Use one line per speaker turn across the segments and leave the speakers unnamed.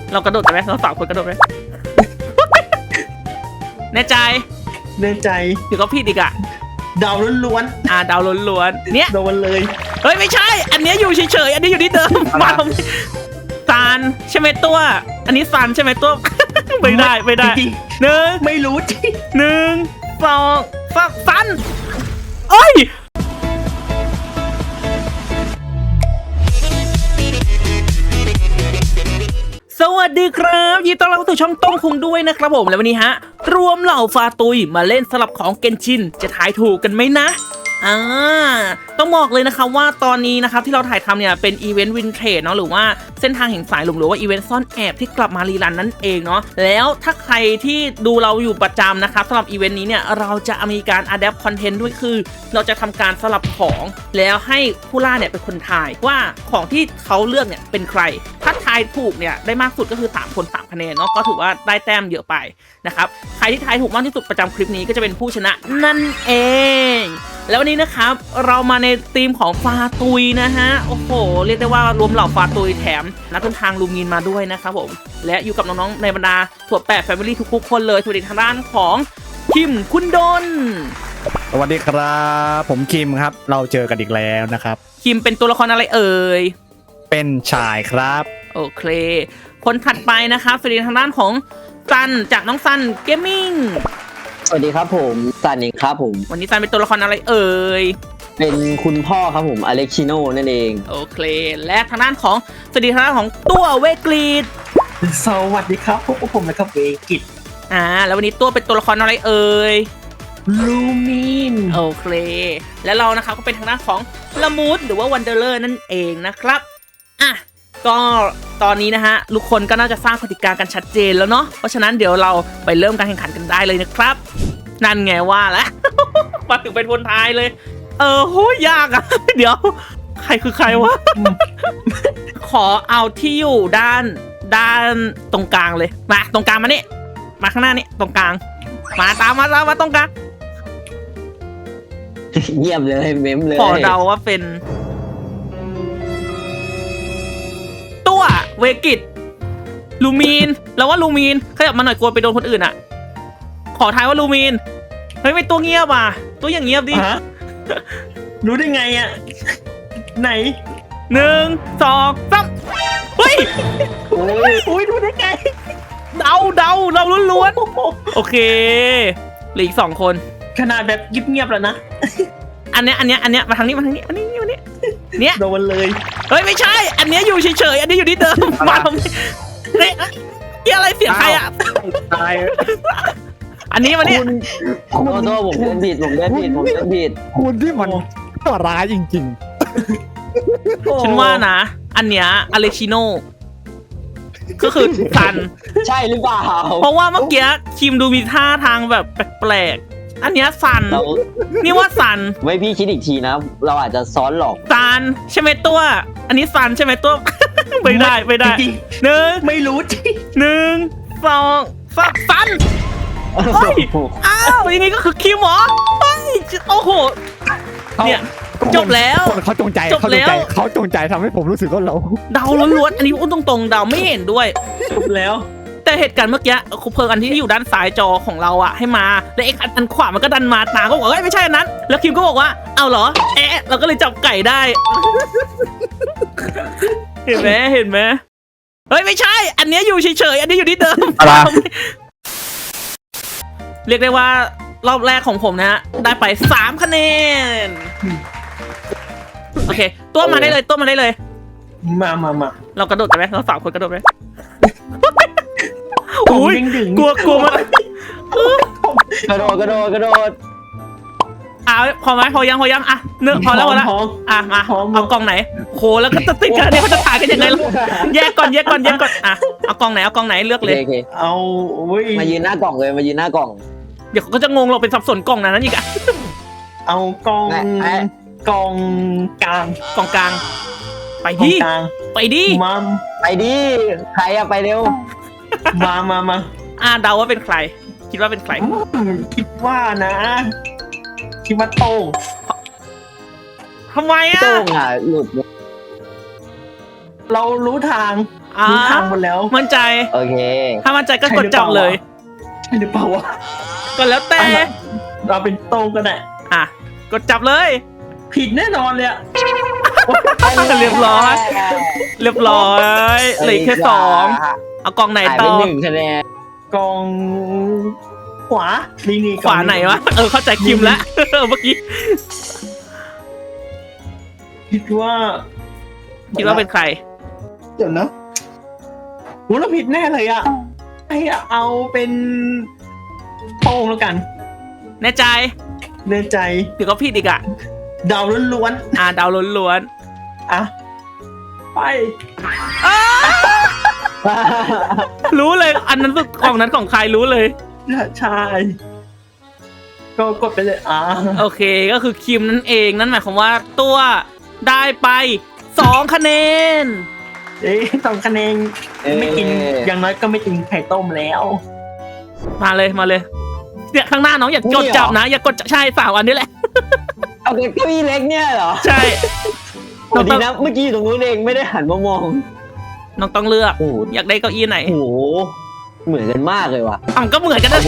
เรากระโดดกันไหมเรา3 คนกระโดดไหม แน่ใจ
แน่ใจ
เดี๋ยวก็ผิดอีกอ่ะ
ดาวล้วน
ดาวล้วนๆเนี่ย
ๆโดนเลย
เฮ้ยไม่ใช่ อันนี้อยู่เฉยๆอันนี้อยู่ที่เดิมมาทำไมซานใช่ไหมตัว อันนี้ซานใช่ไหมตัว ไม่ได้
จริง
หนึ่ง
ๆไม่รู้จริง
1 2 3ซันเอ้ยสวัสดีครับยินดีต้อนรับเข้าสู่ช่องต้งคุงด้วยนะครับผมและวันนี้ฮะรวมเหล่าฟาตุยมาเล่นสลับของเกนชินจะทายถูกกันไหมนะต้องบอกเลยนะครับว่าตอนนี้นะครับที่เราถ่ายทำเนี่ยเป็นอีเวนต์วินเทจเนาะหรือว่าเส้นทางแห่งสายลมหรือว่าอีเวนต์ซ่อนแอบที่กลับมารีรันนั่นเองเนาะแล้วถ้าใครที่ดูเราอยู่ประจำนะครับสำหรับอีเวนต์นี้เนี่ยเราจะมีการอัดแอปคอนเทนต์ด้วยคือเราจะทำการสลับของแล้วให้ผู้ล่าเนี่ยเป็นคนทายว่าของที่เขาเลือกเนี่ยเป็นใครถ้าทายถูกเนี่ยได้มากสุดก็คือ3 คน 3 คะแนนเนาะก็ถือว่าได้แต้มเยอะไปนะครับใครที่ทายถูกมากที่สุดประจำคลิปนี้ก็จะเป็นผู้ชนะนั่นเองแล้ววันนี้นะครับเรามาในธีมของฟาตุยนะฮะโอ้โหเรียกได้ว่ารวมเหล่าฟาตุยแถมนักเดินทางลูมินมาด้วยนะครับผมและอยู่กับน้องๆในบรรดาถั่วแปะแฟมิลี่ทุกๆคนเลยสวัสดีทางด้านของคิมคุณดน
สวัสดีครับผมคิมครับเราเจอกันอีกแล้วนะครับ
คิมเป็นตัวละครอะไรเอ่ย
เป็นชายครับ
โอเคคนถัดไปนะครับสวัสดีทางด้านของซันจากน้องซันเกมมิ่ง
สวัสดีครับผมซันเองครับผม
วันนี้ซันเป็นตัวละครอะไรเอ่ย
เป็นคุณพ่อครับผมอเล็กชิโน่นั่นเอง
โอเคและทางด้านของสวัสดีทางด้านของตัวเวกรีด
สวัสดีครับพวกผมนะครับเวกิต
แล้ววันนี้ตัวเป็นตัวละครอะไรเอ่ย
ลูมิน
โอเคและเรานะครับก็เป็นทางด้านของละมูดหรือว่าวันเดอร์เลอร์นั่นเองนะครับก็ตอนนี้นะฮะทุกคนก็น่าจะทราบกติกากันชัดเจนแล้วเนาะเพราะฉะนั้นเดี๋ยวเราไปเริ่มการแข่งขันกันได้เลยนะครับนั่นไงว่าแล้ว มาถึงเป็นคนท้ายเลยโหยากอ่ะ เดี๋ยวใครคือใครวะ ขอเอาที่อยู่ด้านตรงกลางเลยมาตรงกลางมานี่มาข้างหน้านี่ตรงกลางมาตามมาตรงกลาง
เงียบเลยเม้มเลย
ขอเดาว่าเป็นตัวเวกิตลูมีนแล้วว่าลูมีนขยับมาหน่อยกลัวไปโดนคนอื่นอ่ะขอทายว่าลูมีนเฮ้ยไม่ตัวเงียบอ่ะตัวอย่างเงียบดิ
รู้ได้ไงอ่ะไหน
1 2 3เฮ้ย
โอ้ยรู้ได้ไง
เดาเราล้วนๆโอเคเหลืออีก2 คน
ขนาดแบบเงียบๆแล้วนะ
อันเนี้ยมาทางนี้อันนี้เนี่ย
โดนเลย
เฮ้ยไม่ใช่อันเนี้ยอยู่เฉยๆอันนี้อยู่ที่เดิมมาทำไมเนี่ยอะไรเสียงใครอ่ะ
ตาย
อันนี้มาเนี่ย
คุณผมเล่นผิด
คุณที่มันตัวร้ายจริง
ๆฉันว่านะอันเนี้ยอเลชิโน่ก็คือซัน
ใช่หรือเปล่า
เพราะว่าเมื่อกี้คิมดูมีท่าทางแบบแปลกๆอันเนี้ยซันนี่ว่าซัน
ไว้พี่คิดอีกทีนะเราอาจจะซ้อนหลอก
ซันใช่ไหมตัวอันนี้ซันใช่ไหมตัวไม่ได้
จริงไม่รู้จริง
1 2 3ซันเฮ้ยอย่างงี้ก็คือคิมเหรอเฮ้ยโอ้โหเนี่ยจบแล้ว
เขาจงใจทำให้ผมรู้สึกว่าเรา
เดาล้วนๆอันนี้พูดตรงๆเดาไม่เห็นด้วย
จบแล้ว
แต่เหตุการณ์เมื่อกี้คุปเพิร์อันที่อยู่ด้านซ้ายจอของเราอะให้มาแล้วไอ้อันขวามันก็ดันมาตาก็บอกเฮ้ยไม่ใช่อันนั้นแล้วคิมก็บอกว่าเอาเหรอเราก็เลยจับไก่ได้ เห็นไหมเฮ้ยไม่ใช่อันนี้อยู่เฉยๆอันนี้อยู่ที่เดิมเรียกได้ว่ารอบแรกของผมนะฮะได้ไป3 คะแนนโอเคตัวมาได้เลย
มา
เรากระโดดกันไหมเรา3 คนกระโดดไหมอุ้ยกลัวมาก
กระโดด
พอไหมพอยังพอแล้วมาเอากล่องไหนโหแล้วก็จะติดกันเนี่ยเขาจะถ่ายกันยังไงล่ะแยกก่อนเอากล่องไหนเลือกเลย
เอา
มายืนหน้ากล่อง
เดี๋ยวเขาก็จะงงเราเป็นสับสนกล่องนั้นอีกอะ
เอากล่องกลาง
ไปดิ
มัม
ไปดิใครอะไปเร็ว
มา
เดาว่าเป็นใครคิดว่าเป็นใคร
คิดว่าโต้ง
ทำไมอะ
โต้งอะหลุด
เรารู้ทางรู้ทางหมดแล้ว
มั่นใจ
โอเค
ถ้ามั่นใจก็กดจับเลย
ใช่หรือเปล่าวะ
ก็แล้วแต่
เราเป็นโต้งกันแหละ
อ่ะกดจับเลย
ผิดแน่นอนเลยอะ
เรียบร้อยเหลืออกแค่สองเอากล่องไหน
หาย
ต่
ไป
อ
1 คะแนน
กองขวานี่
ขวาไหนวะเข้าใจคิมแล้วเมื่อกี้
คิดว่า
คิดว่าเป็นใคร
เดี๋ยวนะโหเราผิดแน่เลยอะให้เอาเป็นโต้งแล้วกัน
แน่ใจ
ในใจ
เดี๋ยวก็ผิดอีกอ่ะ
ดาวล้วน
ดาวล้วน
ๆอ่ะไป
ๆรู้เลยอันนั้นกล่องนั้นของใครรู้เลย
ใช่ก็กดไปเลย
โอเคก็คือคิมนั่นเองนั่นหมายความว่าตัวได้ไป2 คะแนน
2 คะแนนไม่กินอย่างน้อยก็ไม่กินไข่ต้มแล้ว
มาเลยเนี่ยข้างหน้าน้องอย่ากดจับนะอย่ากดใช่3 อันนี้แหละ
เอาเก้าอี้เล็กเนี่ยเหรอ
ใช่
โอ้ดีนะเมื่อกี้อยู่ตรงนู้นเองไม่ได้หันมามอง
น้องต้องเลือก
โอ้โห
อยากได้เก้าอี้ไหน
โอ้โหเหมือนกันมากเลยว่ะ
ก็เหมือนกันนะ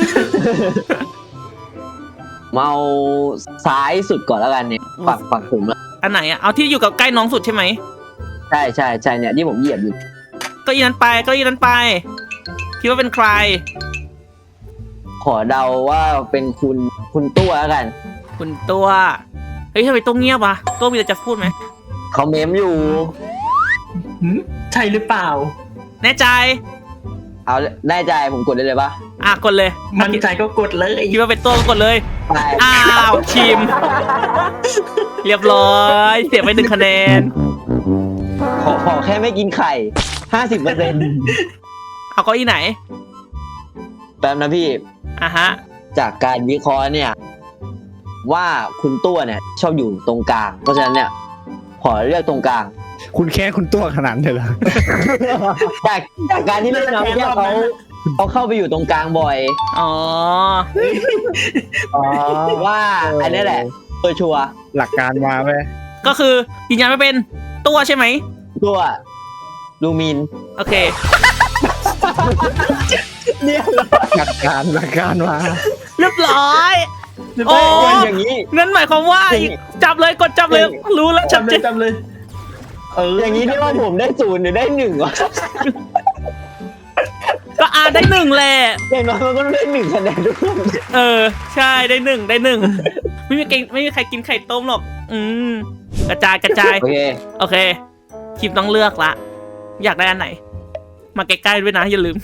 เมาซ้ายสุดก่อนแล้วกันเนี่ยฝั่งผมอะ
อันไหนอ่ะเอาที่อยู่กับใกล้น้องสุดใช่ไหม
ใช่เนี่ยที่ผมเหยียบอยู่
เก้าอี้นั้นไปคิดว่าเป็นใคร
ขอเดาว่าเป็นคุณตัวแล้วกัน
คุณตัวเฮ้ยทำไมตัวเงียบวะตัวมีอะไรจะพูดไหม
เขาเมมอยู่
ใช่หรือเปล่า
แน่ใจ
เอาแน่ใจผมกดได้เลยปะ
กดเลย
มั่นใจก็กดเลย
คิดว่าเป็นตัวก็กดเลย
ได้
ชิม เรียบร้อยเสียไป1 คะแนน
ขอแค่ไม่กินไข่ 50%
เอาเก้าอี้ไหน
แป๊บนะพี่
ฮะ
จากการวิเคราะห์เนี่ย ว่าคุณตัวเนี่ยชอบอยู่ตรงกลาง เพราะฉะนั้นเนี่ยขอเลือกตรงกลาง
คุณแค่คุณตัวขนาดนั้นเลยเหรอ
จากการที่เล่นนะพี่เขาเข้าไปอยู่ตรงกลางบ่อย
อ๋อ
ว่าอันนี้แหละตัวชัวร์
หลักการมาไหม
ก็คือยืนยันไม่เป็นตัวใช่ไหม
ตัวลูมิน
โอเค
เนี่ย
หลักการมา
เรียบร้อย
โอ้
อย่างนี้
งั้นหมายความว่าจับเลยกดจับเลยรู้แล้วชัด
จำเล
เจ
ย
น
จำเลย
อย่างนี้ที่ว่าผมได้0หรือได้1วะ
ก็ได้1แหละ
อย่างน้อยมันก็ได้1 คะแนนทุกคน
ใช่ได้1ไม่มีใครกินไข่ต้มหรอกกระจาย
โอเค
คิมต้องเลือกละอยากได้อันไหน มาใกล้ๆด้วยนะอย่าลืม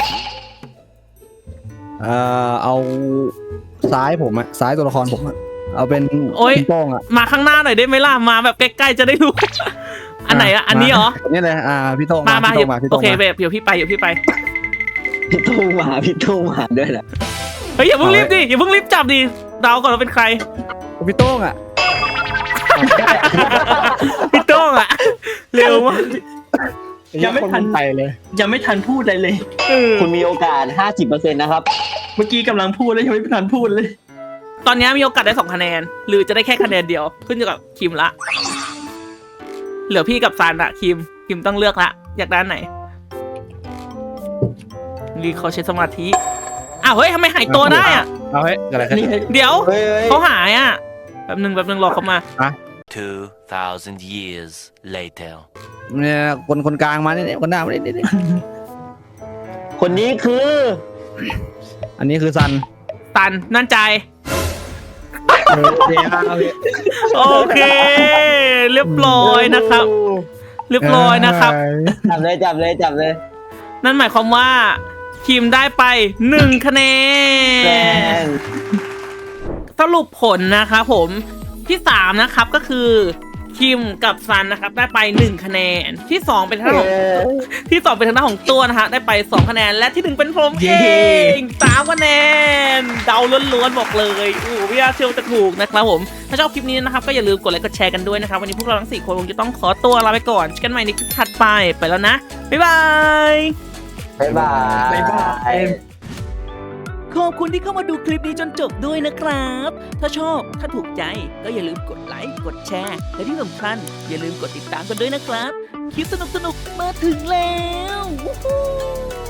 เอาซ้ายผมอะซ้ายตัวละครผมอะเอาเป็น
โอ๊ย
คุณโป้งอะ
มาข้างหน้าหน่อยได้ไหมล่ะมาแบบใกล้ๆจะได้รู้ อันไหนอันนี้เหรอ
นี่เลยพี่โต้ง
มา
พี่โต้งมาพี่
โอ
โต้ง
เค
มา
แบบเดี๋ยวพี่ไป
พี่ตุ้งมาด้วยนะ
เฮ้ยอย่าเพิ่งรีบดิอย่าเพิ่งรีบจับดิเดาก่อนว่าเป็นใคร
พี่โต้งอะ
พี่โต้งอะเร็วมาก
ยังไม่ทัน
ไปเลย
ยังไม่ทันพูดอะไรเลย
คุณมีโอกาส 50% นะครับ
เมื่อกี้กำลังพูดแล้วยังไม่ทันพูดเลย
ตอนนี้มีโอกาสได้2 คะแนน หรือจะได้แค่คะแนนเดียวขึ้นอยู่กับคิมละเหลือพี่กับซันอะคิมต้องเลือกละอยากได้อันไหนนี่เขาใช้สมาธิเฮ้ยทำไมหายตัวได้อะ
เอาเฮ้ยเกิดอะไรขึ้น
นี่
เดี๋ยว
เฮ้ย
เขาหายอะแป๊บนึงรอเขามา
2,000 years later.
เนี่ยคนกลางมาเนี่ยคนหน้ามาเนี่ย
คนนี้คือ
อันนี้คือซัน
ตันนั่นใจ
เดี๋ยว
โอเค เรียบร้อยนะครับ
จับเลย
นั่นหมายความว่าคิมได้ไป1 คะแน
แน
น
น
สรุปผลนะครับผมที่3นะครับก็คือคิมกับซันนะครับได้ไป1 คะแนนที่2เป็นทางด้านของเป็นทางด้านของตัวนะฮะได้ไป2 คะแนนและที่1เป็นผมเอง3 คะแนนเดาล้วนๆบอกเลยไม่น่าเชื่อว่าจะถูกนะครับผมถ้าชอบคลิปนี้นะครับก็อย่าลืมกดไลค์กดแชร์กันด้วยนะครับวันนี้พวกเราทั้ง4 คนคงจะต้องขอตัวลาไปก่อนเจอกันใหม่ในคลิปถัดไปแล้วนะบ๊ายบาย
บ๊ายบาย
ขอบคุณที่เข้ามาดูคลิปนี้จนจบด้วยนะครับ ถ้าชอบถ้าถูกใจก็อย่าลืมกดไลค์กดแชร์และที่สำคัญอย่าลืมกดติดตามกันด้วยนะครับคลิปสนุกๆมาถึงแล้ววู้ฮู้